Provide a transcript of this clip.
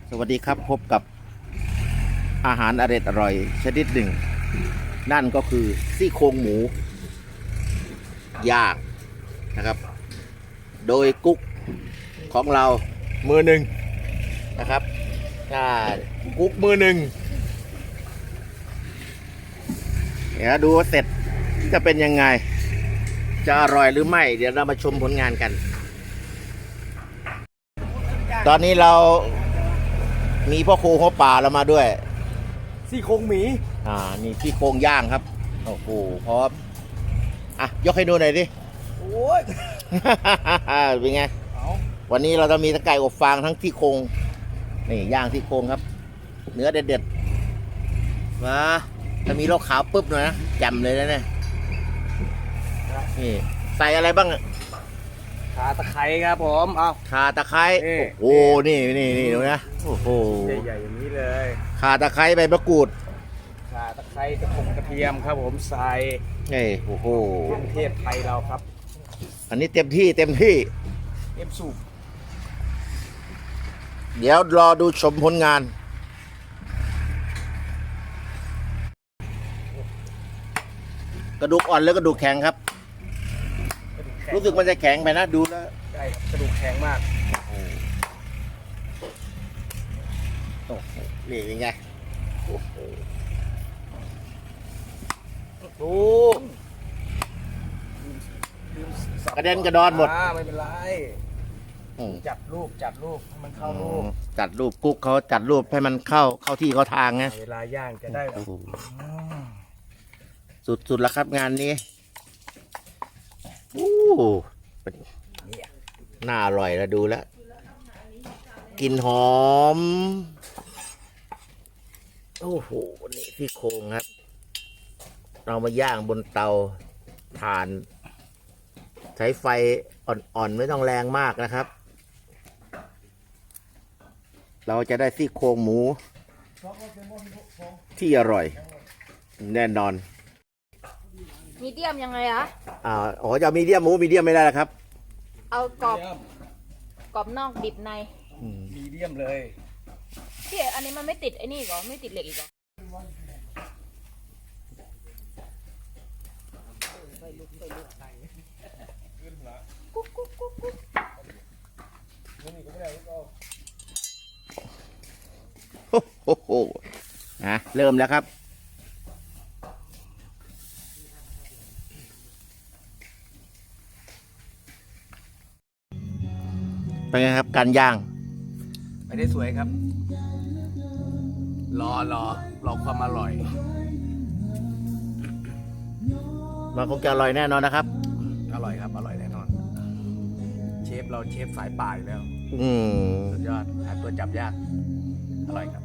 สวัสดีครับพบกับอาหารอร่อยชนิดหนึ่งนั่นก็คือซี่โครงหมูย่างนะครับโดยกุ๊กของเรามือหนึ่งนะครับกุ๊กมือหนึ่งเดี๋ยวดูว่าเสร็จจะเป็นยังไงจะอร่อยหรือไม่เดี๋ยวเรามาชมผลงานกันตอนนี้เรามีพ่อครูหัวป่าเรามาด้วยซี่โครงหมีนี่ซี่โครงย่างครับโอ้โหพร้อมยกให้ดูหน่อยดิโอ้ยเป็นไงวันนี้เราจะมีทั้งไก่อบฟางทั้งซี่โครงนี่ย่างซี่โครงครับเนื้อเด็ดๆมาถ้ามีโลกขาวปุ๊บหน่อยนะจำเลยนะเนี่ยนี่ใส่อะไรบ้างขาตะไคร้ครับผมเอาข่าตะไคร้โอ้นี่ดูนะโอ้โหใหญ่ๆอย่างนี้เลยข่าตะไคร้ใบมะกรูดขาตะไคร้กระเทียมครับผมใส่โอ้โหเครื่องเทศไทยเราครับอันนี้เต็มที่เอฟสูบเดี๋ยวรอดูชมผลงานกระดูกอ่อนหรือกระดูกแข็งครับรู้สึกมันจะแข็งไปนะดูแล้วใช่ครับกระดูกแข็งมากโอ้โหนี่เป็นไงโอ้โหดูกระเด็นกระดอนหมดไม่เป็นไรจัดรูปให้มันเข้ารูปจัดรูปกุ๊กเขาจัดรูปให้มันเข้าที่เข้าทางไงเวลาย่างจะได้สุดๆแล้วครับงานนี้น่าอร่อยแล้วดูแล้วกลิ่นหอมโอ้โหนี่ซี่โครงครับเรามาย่างบนเตาถ่านใช้ไฟอ่อนๆไม่ต้องแรงมากนะครับเราจะได้ซี่โครงหมูที่อร่อยแน่นอนมีเดียมยังไงอะจะมีเดียมหมูมีเดียมไม่ได้แล้วครับเอากรอบนอกดิบในมีเดียมเลยพี่อันนี้มันไม่ติดไอ้นี่หรอไม่ติดเหล็กอีกหรอโอ้โหเริ่มแล้วครับเป็นไงครับการย่างไปได้สวยครับรอความอร่อยมันคงจะอร่อยแน่นอนนะครับอร่อยครับอร่อยแน่นอนเชฟสายป่าอยู่แล้วสุดยอดหาตัวจับยากอร่อยครับ